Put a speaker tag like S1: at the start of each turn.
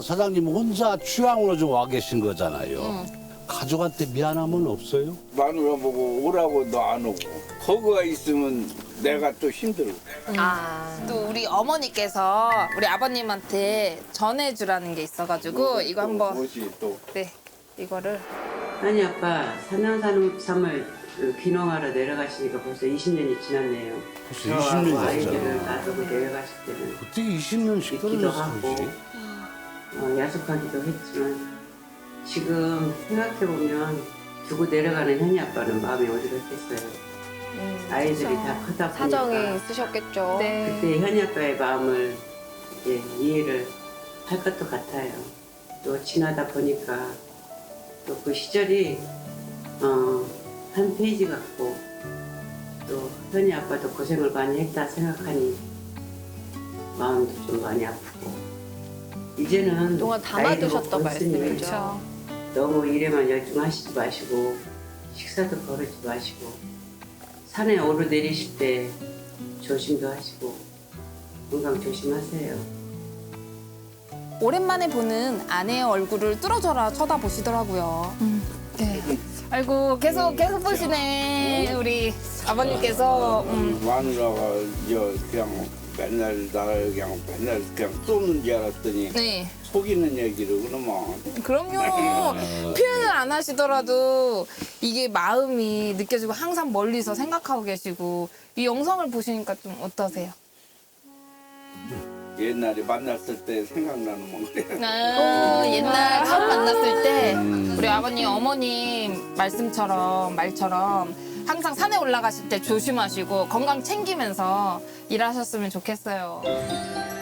S1: 사장님 혼자 취향으로 좀 와 계신 거잖아요. 가족한테 미안함은 없어요?
S2: 마누라 보고 오라고 너 안 오고 거기가 있으면 내가 또 힘들어.
S3: 또 우리 어머니께서 우리 아버님한테 전해주라는 게 있어가지고 이거 한번
S2: 뭐지 또.
S3: 네 이거를
S4: 아니 아빠 산양산업삼을 귀농하러 내려가시니까 벌써 20년이 지났네요.
S1: 벌써
S4: 저하고
S1: 20년이
S4: 아이들을
S1: 됐잖아.
S4: 놔두고 내려가실 때는
S1: 어떻게 20년씩
S4: 있기도 하고
S1: 떨어졌어요?
S4: 야속하기도 했지만 지금 생각해보면 두고 내려가는 현이 아빠는 마음이 어지럽겠어요. 아이들이 다 크다 보니까
S5: 사정이 있으셨겠죠.
S3: 네.
S4: 그때 현이 아빠의 마음을 이제 이해를 할 것도 같아요. 또 지나다 보니까 또 그 시절이 한 페이지 같고 또 현이 아빠도 고생을 많이 했다 생각하니 마음도 좀 많이 아프고 이제는
S5: 그동안
S4: 나이도
S5: 담아두셨던
S4: 먹었으니
S5: 말씀이죠.
S4: 너무 일에만 열중하시지 마시고 식사도 거르지 마시고 산에 오르내리실 때 조심도 하시고 건강 조심하세요.
S3: 오랜만에 보는 아내의 얼굴을 뚫어져라 쳐다보시더라고요. 네. 아이고 계속 보시네 우리 아버님께서.
S2: 마누라가 그냥 맨날 그냥 쏘는 줄 알았더니
S3: 네.
S2: 속이는 얘기를 그러면
S3: 그럼요. 표현을 안 하시더라도 이게 마음이 느껴지고 항상 멀리서 생각하고 계시고 이 영상을 보시니까 좀 어떠세요?
S2: 옛날에 만났을 때 생각나는 건 그래.
S3: 옛날 처음 만났을 때 우리 아버님 어머님 말처럼 항상 산에 올라가실 때 조심하시고 건강 챙기면서 일하셨으면 좋겠어요.